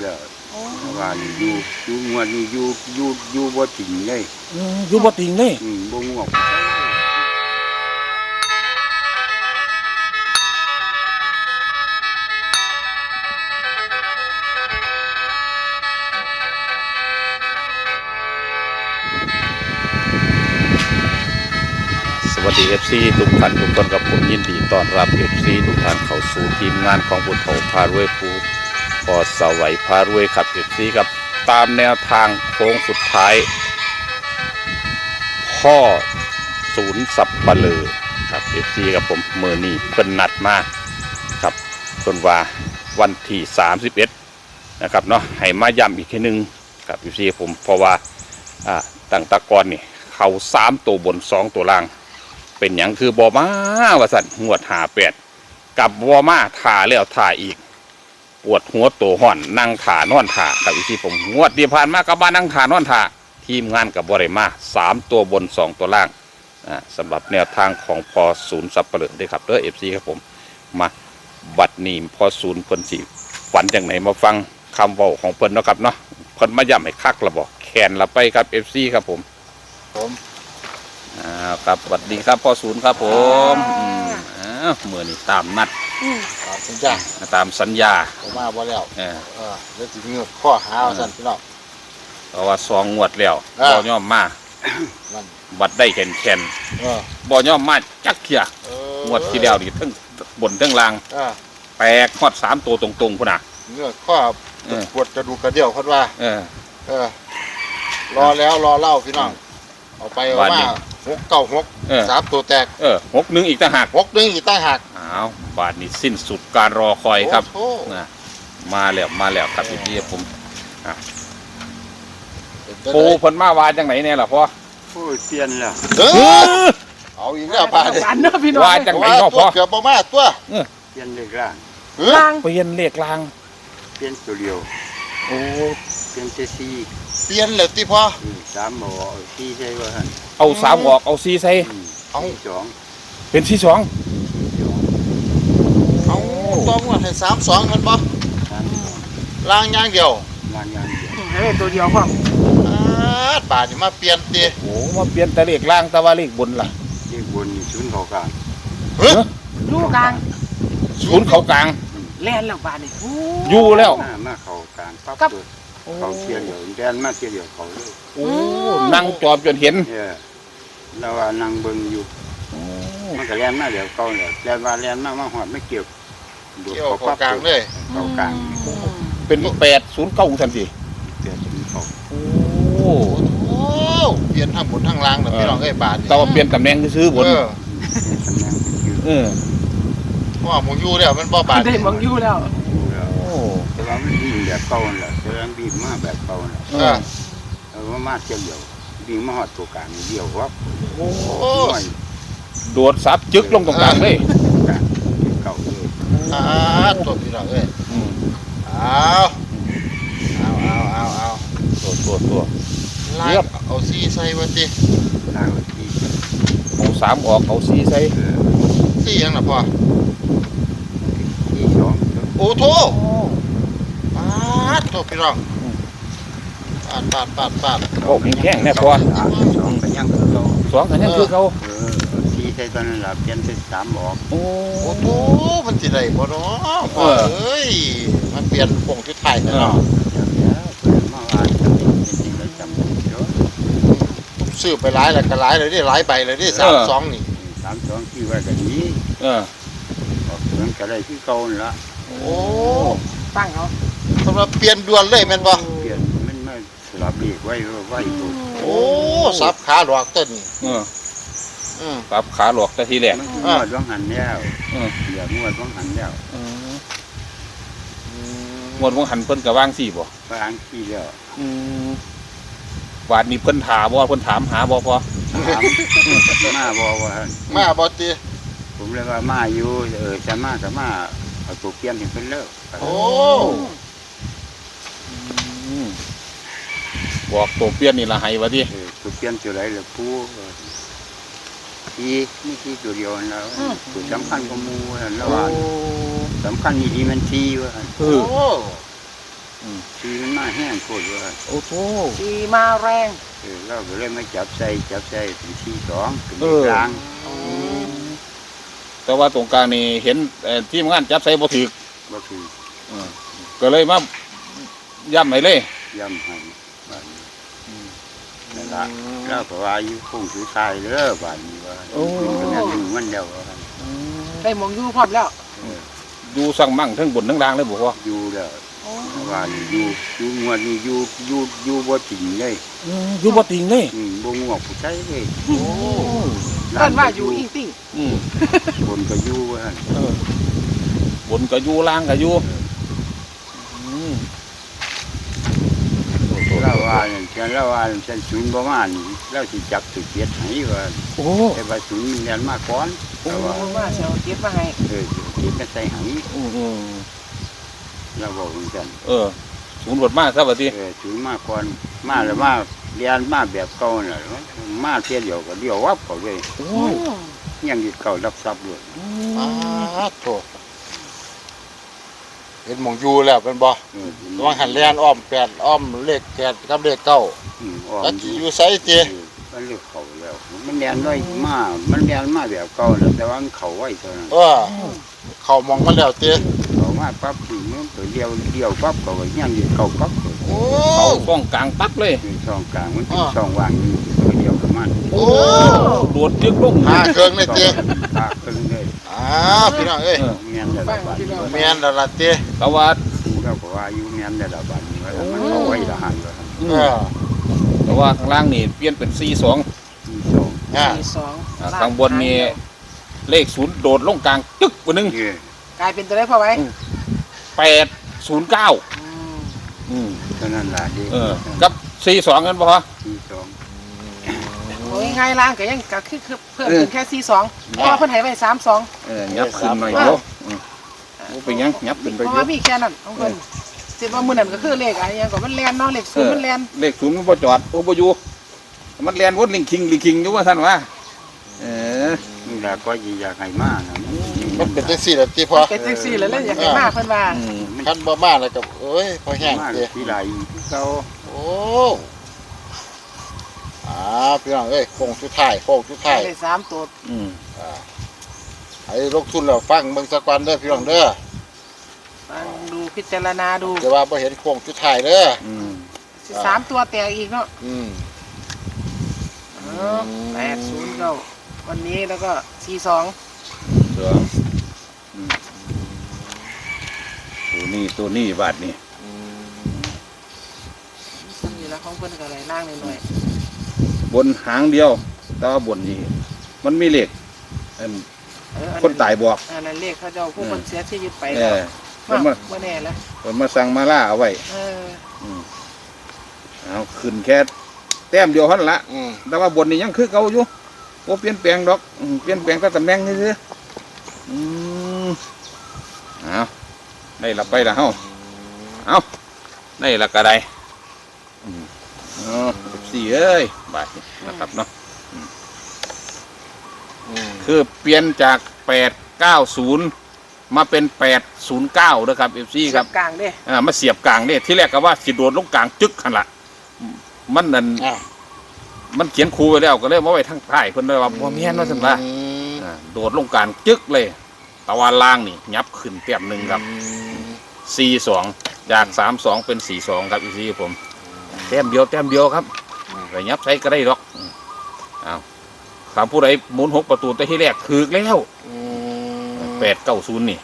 แล้วว่าอยู่งวดนี้อยู่บ่จริงเลยอยู่บ่ติงเลยบ่งวกสวัสดี FC ทุกท่านทุกคนกับผมยินดีต้อนรับ FC ทุกท่านเข้าสู่ทีมงานของบุญโถพารวยภูพอสวัยพารวยครับ FC กับตามแนวทางโค้งสุดท้ายพ่อศูนย์สับปะเลอครับ FC กับผมมื้อนี้เพิ่นนัดมาครับเพิ่นว่าวันที่31นะครับเนาะให้มาย้ำอีกทีนึงกับ FC ผมเพราะว่าตั้งแตะกอนนี่เขา3ตัวบน2ตัวล่างเป็นอย่างคือบอมาว่าสันงวด58กับบอมาถ่าแล้วถ่าอีกปวดหัวโตห่อนนั่งถ่านอนถ่ากับวิธีผมงวดที่ผ่านมากับบ้านนั่งถ่านอนถ่าทีมงานกับบริมา3ตัวบน2ตัวล่างสำหรับแนวทางของพอศูนย์สับเปลือกด้วยครับเด้อFCครับผมมาบัดนี้พอศูนย์เพิ่นสิฝันจากไหนมาฟังคำเว้าของเพิ่นเนาะครับเนาะเพิ่นมาย้ำให้คักละบอกแขนละไปครับ FC ครับผมครับสวัสดีครับพ่อศูนย์ครับผมเมื่อนี้ตามนัดตามสัญญาผมมาบ่แล้วแล้วสิมีข้อหาสั่นพี่น้องเพราะว่า2งวดแล้วบ่ยอมมาบัดได้แข็งบ่ยอมมาจักเที่ยงวดที่แล้วนี่ทั้งบนทั้งล่างแตกฮอด3ตัวตรงๆพุ่นน่ะเนื้อข้อปวดกระดูกกระเดี่ยวเพิ่นว่ารอแล้วรอเล่าพี่น้องเอาไปเอามา696 3ตัวแตก 61อีกต่างหาก 61อีกต่างหากอ้าวบาดนี้สิ้นสุดการรอคอยครับมาแล้วครับพี่ผมปูเพิ่นมาว่าจังไหนแน่ล่ะพ่อโอ้ยเปลี่ยนแล้วเอาอีกแล้วป่าดิว่าจังไหนเนาะพ่อเกือบบ่มาตัวเปลี่ยนเลขล่างเปลี่ยนเลขล่างเปลี่ยนตัวเดียวโอ้เปลี่ยนเจซีเปลี่ยนแล้วติพ่อ 3บ่4ใช่บ่ฮะเอา3ออกเอา4ใส่เอา 2เป็น42 เอาต้องว่าให้32มันบ่ล่างอย่างเดียวตัวเดียวพ่อบาดนี่มาเปลี่ยนติโอ้มาเปลี่ยนแต่เลขล่างแต่ว่าเลขบนล่ะเลขบนนี่ศูนย์เขากลางอยู่กลางศูนย์เขากลางแล่นแล้วบาดนี่อยู่แล้วมาเขากลางปั๊บเขาเทียนเดียวแดนมาเทียนเดียวเขาเลยโอ้นั่งจอบจนเห็นแล้วว่านั่งเบิ่งอยู่มันก็แล่นมาเดี๋ยวเขาเนี่ยแล่นว่าแล่นมาหอดไม่เกี่ยวเขากลางเลยเขากลางเป็น809ทันที 809 โอ้เปลี่ยนทั้งบนทั้งล่างแบบพี่น้องบาดแต่ว่าเปลี่ยนตำแหน่งซื้อบนเพราะว่าหมูยูแล้วมันบ่บาดได้หมูยูแล้วแต่ว่ามันวิ่งแบบเก่าแหละแต่ว่าวิ่งมาแบบเก่าแหละว่ามาเที่ยวเดียววิ่งมาหอดตัวกลางเดียวครับโดดซับจึกลงตรงกลางเลยเก่าเลยตัวพี่น้องเอาตัวลากเอาซีใส่ไว้ติลากซีเอา3ออกเอา4ใส่ซียังล่ะพ่อ 2 โอ้โธ่ตัวพี่น้องปาดโอ้มีแข้งแน่พ่อ 2กันยังคือเขา 2กันยังคือเขา 4ใส่ตอนนั้นล่ะเปลี่ยนเป็น3ออกโอ้โธ่มันสิได้บ่เนาะพ่อเอ้ยมันเปลี่ยนวงชุดไทยเนาะซื้อไปหลายแล้วก็หลายเลยดิหลายใบเลยดิ32นี่ 32ที่ว่ากันนี้ออกถึงก็ได้ที่เก่าละโอ้ตั้งเอาสำหรับเปลี่ยนด่วนเลยแม่นบ่เปลี่ยนมันมาสลับอีกไว้ตัวโอ้สับขาหลอกต้นสับขาหลอกแต่ทีแรกงวดว่างหันแล้วอย่างวดว่างหันแล้วงวดว่างหันเพิ่นก็วาง4บ่วาง4แล้ววาดนี้เพิ่นถามบ่เพิ่นถามหาบ่พอมาบ่ว่ามาบ่ติผมเลยว่ามาอยู่จะมาก็มาเอาตัวเปลี่ยนให้เพิ่นเลิกโอ้บอกตัวเปลี่ยนนี่ละให้ว่าติตัวเปลี่ยนตัวไหนล่ะผู้นี่ตัวเดียวแล้วตัวสำคัญกว่าหมู่แล้วว่าสำคัญนี่ดีมันทีว่าโอ้ทีมันมาแห้งโคตรว่าโอ้โหสีมาแรงเราก็เลยมาจับใส่เป็น42เป็นกลางแต่ว่าตรงกลางนี่เห็นทีมงานจับใส่บ่ถือบ่คือก็เลยมาย้ำให้เลยย่ำให้บ้านนี้นั่นล่ะเราก็ว่าอยู่คงสุดท้ายเด้อบ้านนี้ว่าเป็นกันอยู่มันเดียวว่าได้หมองอยู่พร้อมแล้วอยู่สั่งมั่งทั้งบนทั้งล่างเลยบอกว่าอยู่แล้วว่าอยู่งวดนี้อยู่บ่จริงเลยอยู่บ่ติงเลยบ่งวกผู้ใช้เลยโอ้เพิ่นว่าอยู่อิงติ้งบนก็อยู่ว่าบนก็อยู่ล่างก็อยู่เราว่าฉันศูนย์ประมาณเราสิจับตุกเกียรให้ว่าโอ้แต่ว่าศูนย์มันเรียนมาก่อนแต่ว่าเพราะว่าเสียวเก็บมาให้เกียรก็ใส่ให้เราบอกเหมือนกันศูนย์บทมากครับว่าที่ศูนย์มาก่อนมาแล้วมาเรียนมาแบบเก่าน่ะมาเที่ยวเดียวก็เดียววับเขาเลยโอ้ยังอยู่เก่ารับทรัพย์เลยโถเห็นหมองอยู่แล้วเป็นบ่ระวังหันแลนอ้อม8อ้อมเลข8กับเลข9แล้วสิอยู่ไสติมันเลือกเขาแล้วมันเรียนน้อยมามันเรียนมาแบบเก่าแต่ว่ามันเขาไว้เท่านั้นเข้ามองมาแล้วติเขามาปั๊บถึงมันตัวเดียวปั๊บเขาก็ยังอยู่เก่าปั๊บโอ้เขาป้องกลางปั๊บเลยช่องกลางมันเป็นช่องว่างอยู่ตัวเดียวกับมันโอ้โดดยึกลงหาเครื่องเลยติตาครึ่งเลยพี่น้องเอ้ยเมียนแต่ละบาทแม่นแล้วล่ะติแต่ว่าเราก็ว่าอยู่เมียนแต่ละบาทนี่ว่ามันเอาไว้ละหันเลยแต่ว่าข้างล่างนี่เปลี่ยนเป็น42 ที่สองมีสองข้างบนนี่เลขศูนย์โดดลงกลางจึ๊กกว่านึงนี่กลายเป็นตัวได้พอไว้ 809 เท่านั้นล่ะดีกับ42กันบ่ฮะที่สองโอ้ยง่ายล่างก็ยังก็คือเพิ่มขึ้นแค่42เพราะว่าเพิ่นให้ไว้32 ยับขึ้นหน่อยเดียวเป็นยังยับขึ้นไปเพราะเยว่าอะมีแค่นั้นของเพิ่นสิว่ามื้อนั้นก็คือเลขอะไรอย่างก็มันแล่นเนาะเลข0มันแล่นเลขศูนย์มันบ่จอดบ่อยู่มันแล่นวนลิงคิงอยู่ว่าท่านว่านี่แหละก็อยากให้มากนะมันเป็นจังซี่ล่ะติพ่อเป็นจังซี่แล้วอยากให้มาเพิ่นว่าคันบ่มาแล้วก็เอ้ยพอแห้งมากติที่ไรเขาโอ้พี่น้องเอ้ยโค้งสุดท้ายได้3ตัวให้ลงทุนแล้วฟังเบิ่งสักวันเด้อพี่น้องเด้อฟังดูพิจารณาดูแต่ว่าบ่เห็นโค้งสุดท้ายเด้อ 3ตัวแตกอีกเนาะ 80ก็วันนี้แล้วก็42 ตัวนี้บาทนี่นี่ละของเพิ่นก็เลยล่างหน่อยบนหางเดียวแต่ว่าบนนี่มันมีเลขคนตายบอกอันนั้นเลขเขาเจ้าผู้คนเสียชีวิตไปเอแล้วอมันมาบ่แน่แล้วมันมาสั่งมาล่าเอาไว้ เอาขึ้นแค่แต้มเดียวเท่านั้นละแต่ว่าบนนี่ยังคือเก่าอยู่โอ้เปลี่ยนแปลงดอกเปลี่ยนแปลงแต่ตำแหน่งนี่สิเอาได้ละไปละเฮาเอาได้ละกระไดสี่เอ้ยบาทนะครับเนาะคือเปลี่ยนจาก890มาเป็น809นะครับ FC ครับกลางเด้มาเสียบกลางเนี่ยที่แรกก็ว่าสิโดดลงกลางจึ๊กขันละมันนั่นมันเขียนครูไว้แล้วก็เลยมาไว้ทั้งท้ายเพิ่นเลยว่าบ่แม่นว่าซั่นล่ะโดดลงกลางจึ๊กเลยตะวันล่างนี่ยับขึ้นเตียบหนึ่งครับ42จาก32เป็น42ครับอีซี่ผมแต้มเดียวครับไปยับใช้ก็ได้ดอกอ้าวถามผู้ใดหมุน6ประตูแต่ที่แรกถูกแล้ว890นี่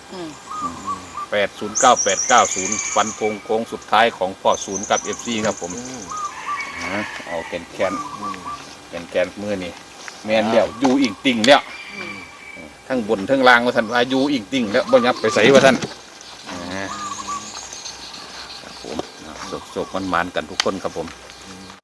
809 ฟันโค้งสุดท้ายของพ่อศูนย์กับ FC ครับผมเอาแกนมือนี่แมนแล้วอยู่อิงติ่งแล้วทั้งบนทั้งล่างว่าท่านว่าอยู่อิงติ่งแล้วบ่ยับไปใส่ว่าท่านครับผมโศกมันกันทุกคนครับผม